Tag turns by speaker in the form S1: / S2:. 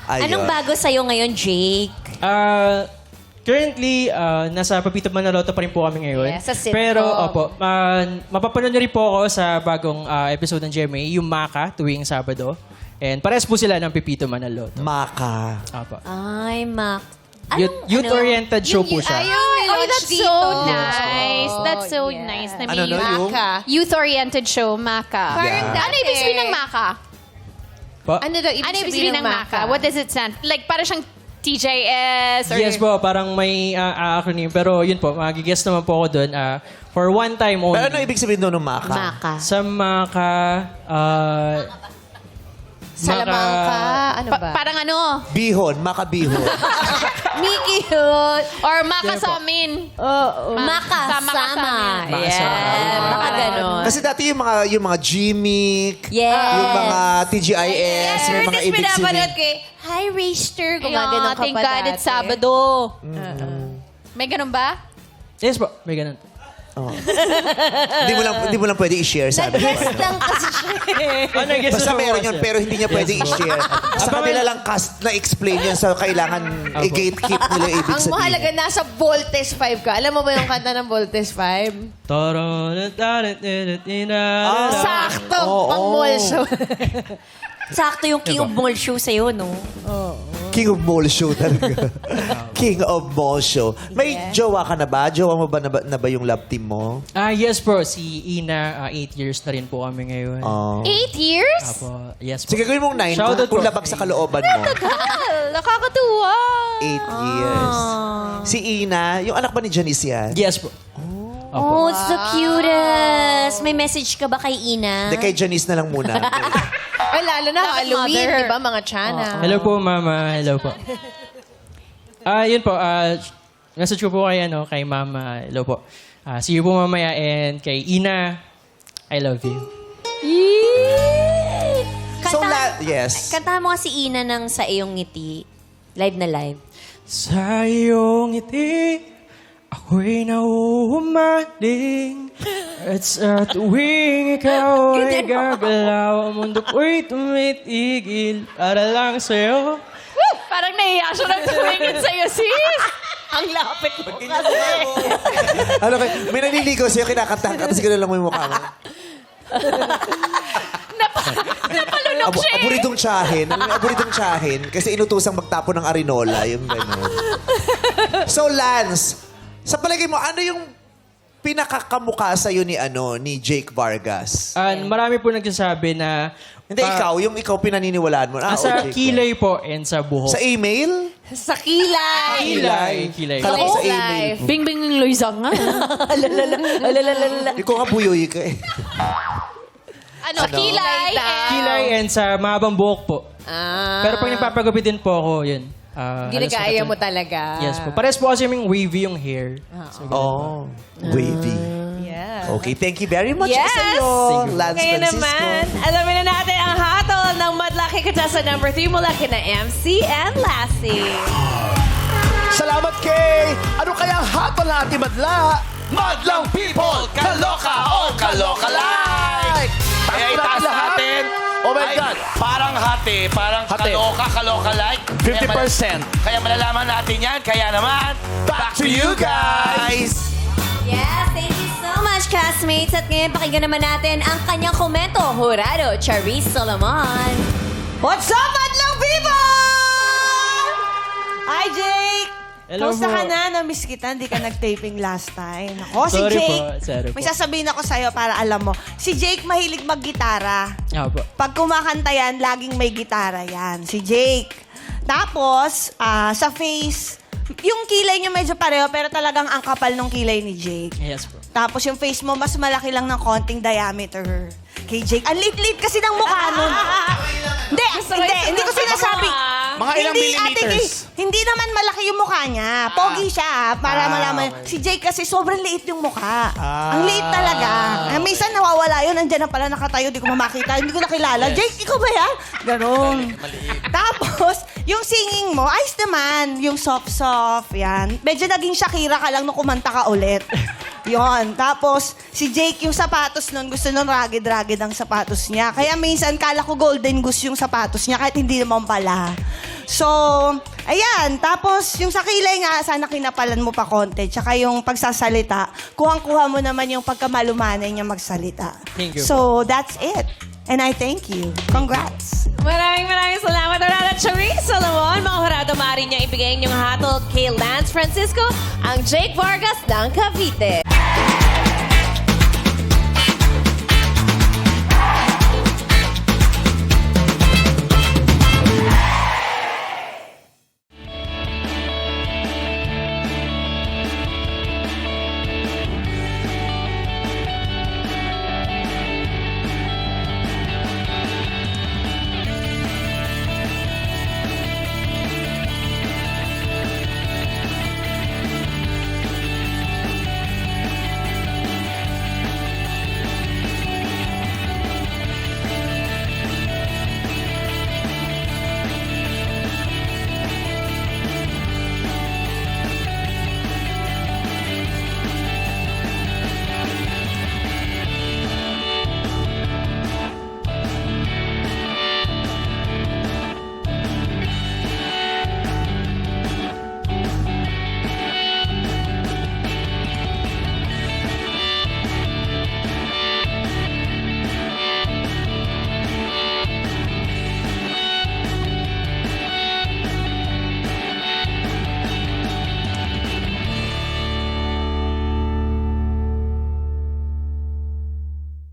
S1: Ayun.
S2: Anong bago sa'yo ngayon, Jake?
S3: Currently, nasa Papito Manaloto pa rin po kami ngayon.
S4: Yes, sa sitcom.
S3: Pero, opo, mapapanood niyo rin po ako sa bagong episode ng GMA, yung Maka, tuwing Sabado. And pares po sila ng Pipito Manaloto.
S1: Maka.
S3: Opo.
S2: Ay, Mac.
S3: Youth-oriented show po siya.
S4: That's
S5: so nice. That's so
S4: yes.
S5: nice.
S1: Ano no, yung...
S5: Youth-oriented show, Maka.
S1: Parang
S5: Ano ibig sabihin ng Maka?
S3: Po?
S4: Ano daw
S5: Ano ibig sabihin ng Maka? What does it stand? Like, para siyang TJS? Or...
S3: Yes po, parang may acronym. Pero yun po, magigess naman po ako doon. For one time only.
S1: Pero ano ibig sabihin doon ng Maka?
S2: Maka.
S3: Sa Maka...
S4: Salamangka. Ano ba?
S5: Parang ano?
S1: Bihon, Maka Bihon.
S4: Mickey yun.
S5: Or Maka sa amin.
S2: Makasama.
S3: Makasama.
S2: Yeah, baka ganon.
S1: Kasi dati yung mga Gmic,
S2: Yeah.
S1: yung mga TGIS, may mga ibig sabihin.
S4: Hi, Rayster.
S5: Ayan,
S4: Gumagano'n ka
S5: thank
S4: pa
S5: God
S4: dati.
S5: it's Sabado. May ganun ba?
S3: Yes po, may ganun.
S1: Oh. Hindi mo lang pwede i-share sa amin.
S2: Nag-guest lang kasi siya.
S3: Nag-guess
S1: Basta
S3: na po
S1: meron
S3: kasi.
S1: yun, pero hindi niya pwede i-share. Sa kanila lang cast na explain yun, so kailangan i-gatekeep nila yung ibig
S4: Ang
S1: sabihin.
S4: mahalaga, nasa Voltes 5 ka. Alam mo ba yung kanta ng Voltes 5? Sakto! Pang mall show.
S2: Sakto yung King of Mall show sa'yo, no?
S1: King of Mall Show talaga. King of Mall Show. May jowa ka na ba? Jowa mo ba na ba yung love team mo?
S3: Yes po, si Ina, 8 years na rin po kami ngayon.
S5: 8 years?
S3: Apo, yes po.
S1: Sige, gawin mong 9
S3: Shoutout
S1: kung
S3: po.
S1: labag sa kalooban mo.
S5: Nakakatuwa.
S1: 8 years. Si Ina, yung anak ba ni Janice yan?
S3: Yes po.
S2: Oh, it's the cutest. May message ka ba kay Ina?
S1: Hindi, kay Janice na lang muna.
S4: Ay, lalo na Halloween,
S5: mother.
S4: di ba, mga Chana?
S3: Hello po, Mama. Hello po. Yun po, message ko po kay Mama. Hello po. See you po mamaya. And kay Ina, I love you.
S1: So,
S2: Kanta,
S1: yes.
S2: kantahan mo nga si Ina ng Sa Iyong Ngiti. Live na live.
S3: Sa iyong ngiti, ako'y nauhumaling. At sa tuwing ikaw ay gagalaw, ang mundo ko'y tumitigil para lang sa'yo.
S5: Parang nahiya siya ng tumingin sa'yo, sis.
S4: Ang lapit mo.
S1: Ano kay, may naniligaw sa'yo, kinakanta ka, tapos gano'n lang mo yung mukha mo.
S5: Napalunok siya eh.
S1: Aburidong tsahin. Alam mo, aburidong tsahin. Kasi inutusang magtapo ng arinola. Yung gano'n. So, Lance, sa palagay mo, ano yung pinakakamukha sa'yo ni Jake Vargas?
S3: Marami po nagsasabi na...
S1: Hindi, ikaw pinaniniwalaan mo.
S3: Sa
S1: Jake.
S3: kilay po and sa buhok.
S1: Sa email?
S4: Sa kilay.
S3: Kilay.
S1: Kala ko sa
S4: Life.
S1: email.
S5: Bing Bing ng Loiza nga.
S1: Ikaw nga buyoy ka eh.
S5: Ano? Kilay.
S3: Kilay and sa mahabang buhok po. Pero pag nagpapagupitin po ako, yun.
S4: Ginagaya mo talaga.
S3: Yes po. Pares po kasi yung wavy yung hair. So,
S1: Oh, wavy.
S4: Yeah.
S1: Okay, thank you very much
S4: Yes!
S1: sa'yo, Lance
S4: Ngayon
S1: Francisco.
S4: naman, alamin na natin ang hatol ng Madlaki Contestant number 3 mula kina MC and Lassie.
S6: Salamat kay... Ano kaya ang hatol na ating madla? Madlang people! Kaloka o kaloka-like!
S7: Kaya itaas natin.
S6: Oh my
S7: Ay,
S6: God!
S7: Parang hati, parang
S6: Hati.
S7: kaloka-like.
S6: 50%.
S7: Kaya malalaman natin yan. Kaya naman, back to you guys!
S2: Yes, thank you so much, classmates. At ngayon, pakinggan naman natin ang kanyang komento. Jurado, Charisse Solomon.
S4: What's up, Madlang people? Hi, Jake!
S3: Hello
S8: Kamusta
S3: po.
S8: ka na? Na-miss kita, hindi ka nag-taping last time. Ako, si
S3: Sorry
S8: Jake.
S3: po, sorry
S8: May
S3: po.
S8: sasabihin ako sa'yo para alam mo. Si Jake mahilig mag-gitara.
S3: po.
S8: Pag kumakanta yan, laging may gitara yan. Si Jake. Tapos, sa face, yung kilay niya medyo pareho, pero talagang ang kapal ng kilay ni Jake.
S3: Yes po.
S8: Tapos yung face mo, mas malaki lang ng konting diameter. Kay Jake. Ang liit-liit kasi ng mukha nun. Hindi ko sinasabi.
S6: Mga ilang
S8: Hindi,
S6: millimeters?
S8: Hindi naman malaki yung mukha niya. Pogi siya, para malaman. Si Jake kasi sobrang liit yung mukha. Ang liit talaga. Minsan nawawala yun, andyan na pala nakatayo, di ko mamakita, hindi ko nakilala. Jake, ikaw ba yan? Ganon. Tapos, yung singing mo, ayos naman. Yung soft-soft, yan. Medyo naging Shakira ka lang nung kumanta ka ulit. Yon. Tapos, si Jake, yung sapatos nun, gusto nun ragged-ragged ang sapatos niya. Kaya minsan, kala ko golden goose yung sapatos niya, kahit hindi naman pala. So, ayan. Tapos, yung sa kilay nga, sana kinapalan mo pa konti. Tsaka yung pagsasalita, kuhang-kuha mo naman yung pagkamalumanay niya magsalita.
S3: Thank you.
S8: So, that's it. And I thank you. Congrats.
S4: Maraming salamat, Horado Charisse Solomon. Mga Horado, maaari niya ibigay yung hatol kay Lance Francisco, ang Jake Vargas ng Cavite.